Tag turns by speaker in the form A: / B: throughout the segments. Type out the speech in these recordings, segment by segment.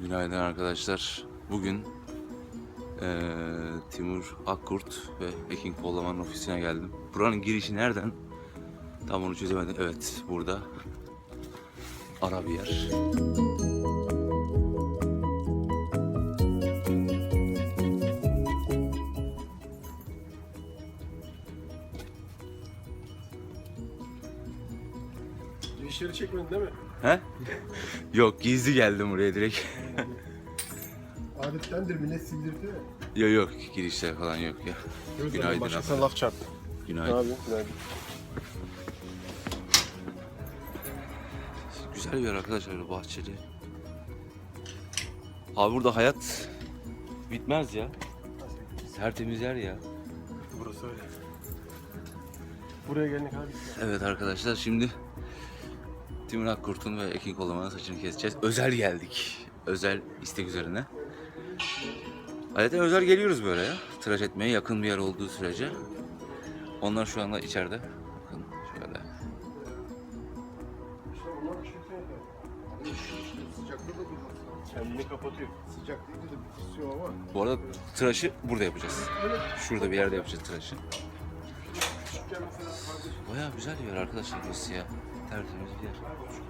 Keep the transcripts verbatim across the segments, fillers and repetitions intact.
A: Günaydın arkadaşlar. Bugün ee, Timur Akkurt ve Ekin Kollaman'ın ofisine geldim. Buranın girişi nereden? Tam onu çözemedim. Evet, burada. Ara bir yer.
B: İşleri çekmedin değil mi?
A: He? Yok, gizli geldim buraya direkt.
B: Adettendir, millet sildirdi mi?
A: Yok yok, girişler falan yok ya. Günaydın
B: Başkasına
A: abi.
B: laf çarptı.
A: Günaydın.
B: Abi, günaydın.
A: Güzel bir yer arkadaşlar, bahçeli. Abi burada hayat bitmez ya. Tertemiz yer ya.
B: Burası öyle. Buraya geldik abi.
A: Evet arkadaşlar, şimdi Timur Akkurt'un ve Ekin Kollaman'ın saçını keseceğiz. Özel geldik. Özel istek üzerine. Adeten özel geliyoruz böyle ya. Tıraş etmeye yakın bir yer olduğu sürece. Onlar şu anda içeride. Bakın şöyle.
B: Kendini kapatıyor.
C: Sıcak deyince de bir kusuyor ama.
A: Bu arada tıraşı burada yapacağız. Şurada bir yerde yapacağız tıraşı. Bayağı güzel bir yer arkadaşlar burası ya. Tertemiz bir yer.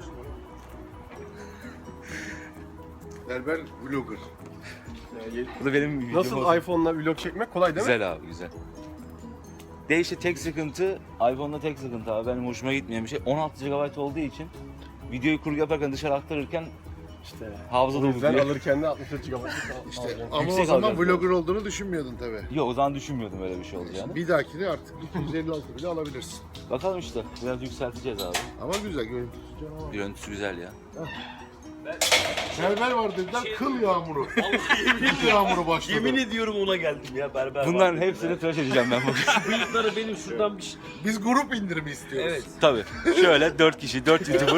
C: Berber vlogger.
B: Yani
A: Bu da benim videom
B: nasıl
A: olsun.
B: iPhone'la vlog çekmek kolay değil mi?
A: Güzel abi, güzel. De işte tek sıkıntı, iPhone'da tek sıkıntı abi, benim hoşuma gitmeyen bir şey. on altı gigabayt olduğu için videoyu kurgu yaparken dışarı aktarırken
B: İşte.
A: hafıza
B: O
A: dolu
B: yüzden
A: diyor.
B: alırken de altmış dört gigabayt
C: İşte
B: alacaksın.
C: ama
A: Yüksek
C: o zaman
A: alacağız
C: vlogger olduğunu düşünmüyordun tabii.
A: Yok, o zaman düşünmüyordum öyle bir şey olacağını.
C: Bir dahakini artık iki yüz elli altı bile alabilirsin.
A: Bakalım işte, biraz yükselteceğiz abi.
C: Ama güzel görüntüsü canavar.
A: Görüntüsü güzel ya.
C: Berber var dediler, kıl yağmuru. Kıl yağmuru başladı.
D: Yemin ediyorum ona geldim ya berber.
A: Bunların
D: var
A: hepsini
D: dedim
A: tıraş edeceğim ben bugün.
D: ya. Bıyıkları benim şuradan bir şey.
C: Biz grup indirimi istiyoruz.
D: Evet.
A: Tabii. Şöyle dört kişi, dört YouTuber.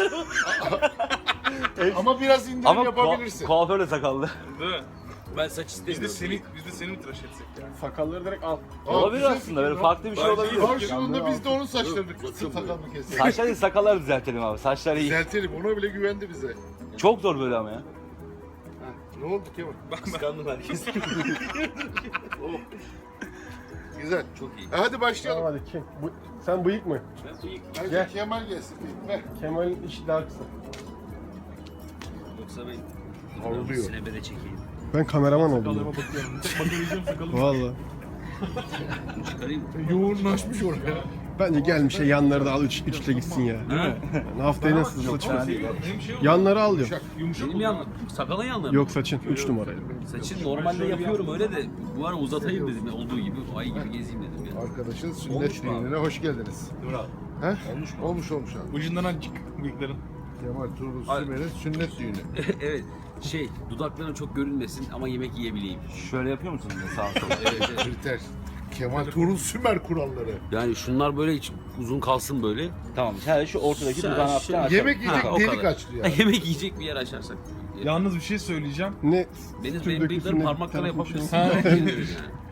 C: Ama biraz indirim
A: Ama
C: yapabilirsin.
A: ku- kuaför de sakallı.
D: Değil mi? Ben saç istemiyorum.
E: Biz de seni, biz de seni mi tıraş etsek yani?
B: Sakalları direkt al.
C: Aa,
A: Olabilir
C: güzel
A: aslında,
C: fikir
A: böyle
C: lan.
A: farklı bir şey olabilir.
C: Karşılığında biz de onun saçlarını sakalını keselim.
A: Saçlar değil, sakalları düzeltelim abi. Saçlar iyi.
C: Düzeltelim, ona bile güvendi bize.
A: Çok zor böyle ama ya.
C: Ne oldu Kemal?
D: Kıskandım herkes.
C: Güzel.
D: Çok iyi.
C: E hadi başlayalım.
B: Tamam hadi kim? Bu, sen bıyık mı?
D: Ben bıyık.
C: Hadi
B: Gel.
C: Kemal gelsin. Ver.
B: Kemal'in işi daha kısa.
D: Yoksa ben
C: Horluyor.
D: sinebede çekeyim.
B: Ben kameraman
E: Sakalıma
B: oldum.
E: bakıyorum. Bakabileceğim sakalıma.
B: Valla.
D: Çıkarayım.
C: Yoğunlaşmış oraya.
B: Bence gelmiş ya yanları da al üç, üçle gitsin ya.
D: Ha?
B: Yani haftaya nasıl saçım?
E: Benim şey oldu.
B: Yanları al diyor.
E: Yumuşak
D: Benim
E: oldu.
D: yanım. Sakalın yanları.
B: Yok saçın üç numarayla.
D: Saçın normalde yapıyorum öyle de bu ara uzatayım dedim ya, olduğu gibi ay gibi gezeyim dedim ya.
C: Arkadaşın
D: Olmuş
C: sünnet
D: mu abi?
C: düğününe hoş geldiniz.
D: Dur abi.
C: He?
D: Olmuş mu?
C: Olmuş olmuş abi.
E: Ucundan azıcık bıyıkların.
C: Kemal Turgut
D: Ay.
C: Sümer'in sünnet düğünü.
D: Evet. Şey, dudaklarım çok görünmesin ama yemek yiyebileyim.
A: Şöyle yapıyor musun sağa sola?
D: Evet, evet.
C: Kriter. Kemal Turgut Sümer kuralları.
D: Yani şunlar böyle hiç uzun kalsın böyle.
A: Tamam, sen şu ortadaki
D: Sen
A: dudağını
D: şey-
A: hafiften açalım.
C: Yemek yiyecek
D: Ha, o
C: delik
D: kadar.
C: açtı ya.
D: Yemek yiyecek bir yer açarsak.
E: Yalnız bir şey söyleyeceğim.
B: Ne?
D: Benim,
B: sütün
D: benim bıyıklarım
B: dökülsün,
D: parmaklara
B: telefon şey-
D: yapabilirsin.
E: Ha.
D: Yani.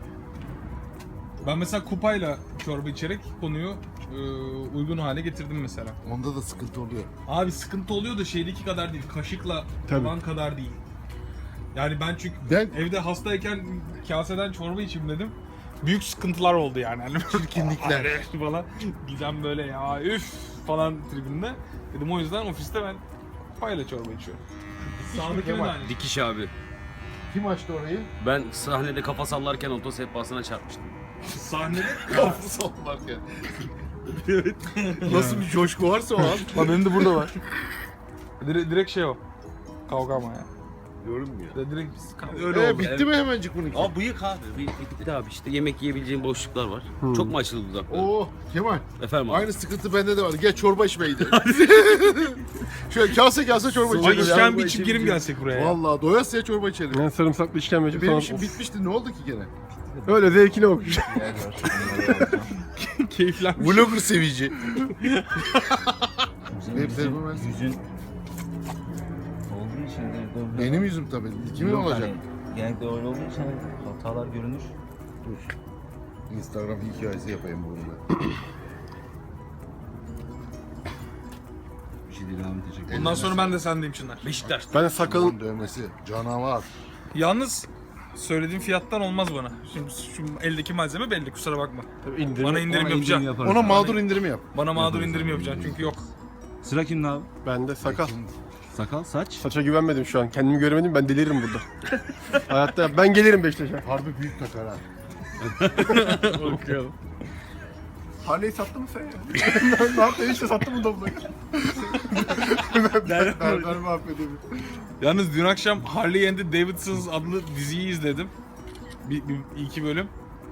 E: Ben mesela kupayla çorba içerek konuyu e, uygun hale getirdim mesela.
C: Onda da sıkıntı oluyor.
E: Abi sıkıntı oluyor da şeydeki kadar değil. Kaşıkla
B: Tabii.
E: taban kadar değil. Yani ben çünkü
C: Ben
E: evde hastayken kaseden çorba içeyim dedim. Büyük sıkıntılar oldu yani. Hani
C: çirkinlikler.
E: falan. Gizem böyle ya üf falan tribinde. Dedim o yüzden ofiste ben kupayla çorba içiyorum. Sağdakine de aynı.
D: Dikiş abi.
C: Kim açtı orayı?
D: Ben sahnede kafa sallarken oto sehpasına çarpmıştım.
E: Sahnede
C: Kapı sallarken. Nasıl bir coşku varsa o an.
E: Lan benim de burada var. Dire- direkt şey o. Kavga ama ya.
C: Görünmüyor.
E: De- Direkt biz kavga.
C: Öyle
D: Ee,
C: ee, bitti mi hemencik bununki?
D: Aa bıyık abi. Bıyık bitti abi işte yemek yiyebileceğim boşluklar var. Çok mu açıldı dudakları?
C: Oo Kemal.
D: Efendim abi.
C: Aynı sıkıntı bende de var. Gel çorba içmeye gidelim. Şöyle kase kase çorba
E: Ay
C: içelim.
E: işkembe içip geri mi gelsek buraya ya?
C: Vallahi doyasıya çorba içelim.
B: Yani sarımsaklı işkembeci
C: Benim
B: falan.
C: işim bitmişti. Ne oldu ki gene?
B: Öyle zevkine okumuş.
E: Keyiflenmiş.
C: Vlogger sevici. Benim telefon versin.
A: Yüzün olduğu için de
C: Benim yüzüm tabii. Kimin
A: Yok,
C: olacak?
A: hani genellikle öyle olduğu için hani hatalar görünür.
C: Dur. Instagram hikayesi yapayım burada. Bir şey
F: değil abi, teşekkür ederim.
E: Bundan sonra ben de sendeyim Çınar.
D: Beşiktaş.
B: Ben de sakalım
C: Sakalın dövmesi canavar.
E: Yalnız söylediğim fiyattan olmaz bana. Şimdi şu eldeki malzeme belli, kusura bakma.
B: tabii indirim.
E: Bana indirim
F: Ona
E: yapacaksın.
F: yaparız.
C: Ona mağdur indirimi yap.
E: Bana mağdur indirim yapacaksın çünkü yok.
F: Sıra kimde abi?
B: Bende sakal.
F: Sakal, saç.
B: Saça güvenmedim şu an. Kendimi göremedim, ben deliririm burada. Hayatta ben gelirim Beşiktaş'a.
C: Harbi büyük takar ha.
B: Okuyalım. Harley'i sattın mı sen ya? Ne yaptın işte, sattın mı Doblo'yu? Berber mahvediyor.
E: Yalnız dün akşam Harley and the Davidsons adlı diziyi izledim. Bir, bir iki bölüm.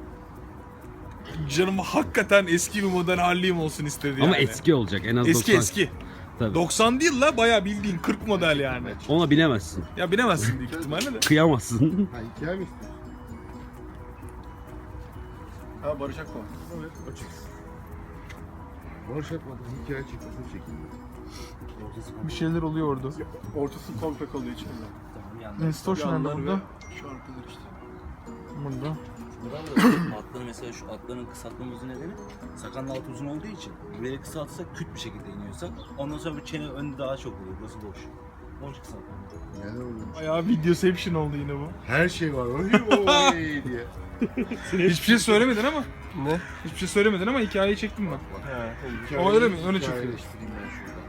E: Canım hakikaten eski bir model Harley'im olsun istedi yani.
F: Ama eski olacak en az
E: Eski
F: doksan.
E: eski.
F: Tabii.
E: doksan değil la, bayağı bildiğin kırk model yani.
F: Ona binemezsin.
E: Ya bilemezsin büyük ihtimalle de.
F: Kıyamazsın.
C: Ha hikaye mi istiyorsun?
B: Ha Barış Akman. Evet.
C: Boş yapmadım. Hikaye çıkmasını çekeyim.
E: Bir şeyler oluyor orada.
B: Ortası komple kalıyor içinde.
E: Nestor şu anda burada.
B: Şu arkalar işte.
E: Burada.
A: Atların mesela şu atların kısaltmamızın nedeni sakalın altı uzun olduğu için böyle kısaltırsak küt bir şekilde iniyorsak ondan sonra bu çene önü daha çok oluyor. Burası boş. Boş kısaltma.
C: Neler oluyor?
E: Bayağı videoception oldu yine bu.
C: Her şey var. Oy oy diye.
E: Hiçbir şey söylemedin ama.
B: Ne?
E: Hiçbir şey söylemedin ama hikayeyi çektim ben.
B: Ha,
C: Hikayeyi-
E: öyle mi? Öyle
C: hikayeyi
E: çıkıyor.
C: eleştireyim ben şurada.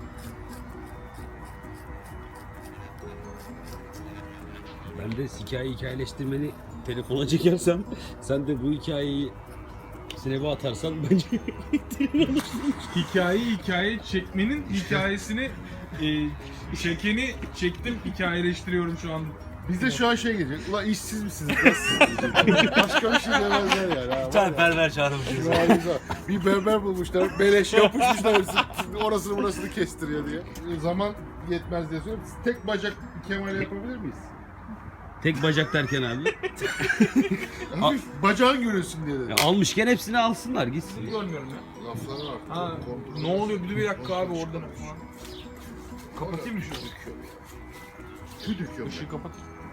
F: Ben de hikaye hikayeleştirmeni telefona çekersem, sen de bu hikayeyi sinebe atarsan bence
E: Hikayeyi hikaye çekmenin hikayesini e, çekeni çektim, hikayeleştiriyorum şu an.
C: Bizde şu an şey gelecek. Ulan işsiz misiniz? Nasılsınız? diyecek. Başka bir şey demezler yani. Ha,
A: Bir tane berber çağırmışız.
C: Harika. Bir berber bulmuşlar, beleş yapışmışlar, orasını burasını kestiriyor diye. Zaman yetmez diye söylüyorum. Tek bacak Kemal yapabilir miyiz?
F: tek bacak derken abi.
C: Hafif bacağın görünsün diye dedim.
F: Ya almışken hepsini alsınlar gitsin.
E: Görmüyorum ya.
C: Lafları var.
E: Ha, ne oluyor? Bir, bir dakika abi oradan. Kapatayım mı şunu?
C: Tüy döküyorum.
E: Işığı kapat.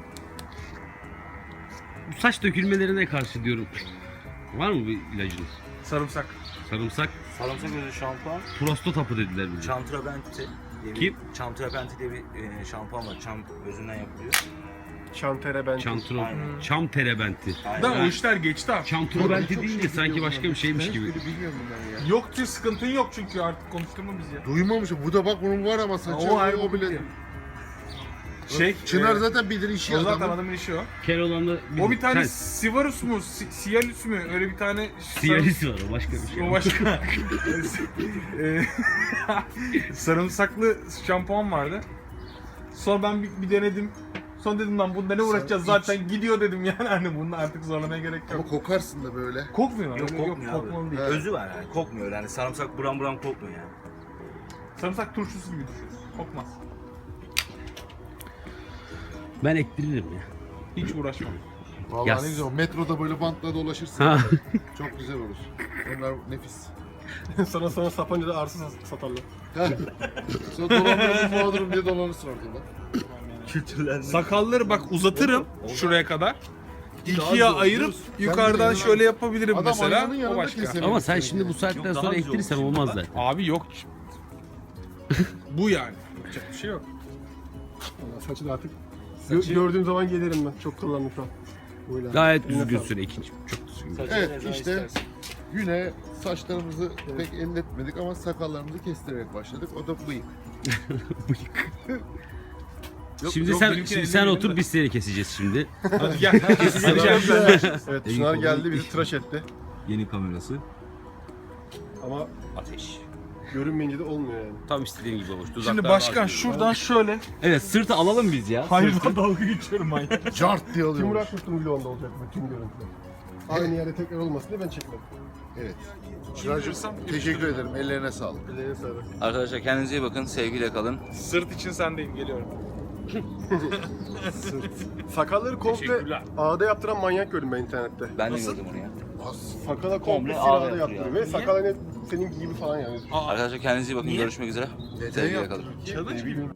F: Bu saç dökülmelerine karşı diyorum. Var mı bir ilacınız?
E: Sarımsak.
F: Sarımsak,
A: Sarımsak özü şampuan,
F: prostat hapı dediler bize.
A: Çamtrabenti diye bir,
F: Kim?
A: Çamtrabenti diye bir e, şampuan var. Çam özünden yapılıyor.
B: Şantere ben.
F: Çantro,
A: Aynen.
F: çam terebenti.
E: Da o işler geçti abi.
F: Çantrobenti deyince sanki başka bir şeymiş gibi.
C: Ben hiçbiri bilmiyorum bunları ya.
E: Yok ki, sıkıntın yok çünkü artık konuşturma bizi ya.
C: Duymamışım. Bu da bak bunun var ama saçı.
E: O
C: O,
E: ayrı
C: o bile.
E: bir Şey,
C: Çınar
E: e,
C: zaten bilir işi
E: o zaten
C: adamın.
E: adamın işi o.
F: Kel olan da
E: O bir tane
F: Sen-
E: Sivarus mu, Si- Sialus mu? Öyle bir tane
F: Siyalis var, o başka bir şey.
E: O başka. Eee, Sarımsaklı şampuan vardı. Sonra ben bir, bir denedim. Sonra dedim lan bunda ne uğraşacağız,
C: Sen
E: zaten gidiyor dedim yani, hani bunu artık zorlamaya gerek
C: Ama
E: yok.
C: kokarsın da böyle.
E: Kokmuyor.
A: Yok
E: öyle
A: kokmuyor
E: kokmalı
A: abi.
E: değil.
C: Evet.
A: Özü var yani kokmuyor yani sarımsak buram buram kokmuyor yani.
E: Sarımsak turşusu gibi düşün. Kokmaz.
F: Ben ektiririm ya.
E: Hiç uğraşmam.
C: Vallahi
F: Yaz.
C: ne güzel. Metroda böyle bantla dolaşırsın.
F: Ha.
C: Çok güzel olur. Onlar nefis.
B: Sana sonra Sapanca'da arsız satarlar.
C: Sonra dolandırıcı mağdurum diye dolanırsın ortada.
A: Kültürler.
E: Sakalları bak uzatırım şuraya kadar. İkiye
C: Daha güzel,
E: ayırıp
C: biliyorsun.
E: yukarıdan
C: Sen de
E: şöyle yapabilirim
C: Adam
E: mesela.
C: ayağının
E: O
C: yanında
E: başka.
C: keselim.
F: Ama sen şimdi bu
A: Yok,
F: saatten
A: daha
F: sonra
A: güzel
F: ektirirsen
A: olur.
F: olmaz zaten.
E: Abi yok. Bu yani. Yapacak bir şey yok.
B: Vallahi saçı da artık gö- gördüğüm zaman gelirim ben. Çok kullandım şu an. Böyle.
F: Gayet
B: Eline
F: düzgünsün ikinci. Çok düzgün.
C: Evet işte güne saçlarımızı pek elletmedik ama sakallarımızı kestirerek başladık. O da bıyık.
F: Bıyık.
C: Yok,
F: Şimdi
E: yok,
F: sen
E: benimkini
F: şimdi sen
E: ellemeyelim
F: otur
E: de.
F: biz seni keseceğiz şimdi.
E: Hadi gel. Keseceğim ben.
B: Evet, Çınar geldi bizi tıraş etti.
F: Yeni kamerası.
B: Ama
A: Ateş.
B: görünmeyince de olmuyor yani.
F: Tam istediğin gibi olmuş.
E: Şimdi başkan şuradan şöyle.
F: Evet, sırtı alalım biz ya.
E: Hayvan dalga geçiyorum manyak.
C: Cart diye
B: Timur
C: alıyormuş.
B: Akkurt'un vlogunda olacak bütün görüntüler. Aynı yerde tekrar olmasın diye ben çekmedim.
C: Evet. Çınar'cığım teşekkür ederim. Ellerine sağlık.
B: Ellerine sağlık.
A: Arkadaşlar kendinize iyi bakın. Sevgiyle kalın.
E: Sırt için sendeyim, geliyorum.
B: Sakalları komple
E: Teşekkürler.
B: ağda yaptıran manyak gördüm ben internette.
A: Ben de gördüm onu ya.
B: Sakala komple
A: Komple
B: ağda
A: ağda
B: yaptırıyor.
A: yaptırıyor.
B: Ve
E: Niye?
B: sakal hani senin gibi falan yani.
A: Arkadaşlar kendinize iyi bakın.
E: Niye?
A: Görüşmek üzere.
C: Neden
A: Sevgiyle
C: yaptın?
A: kalın.
E: Challenge gibi.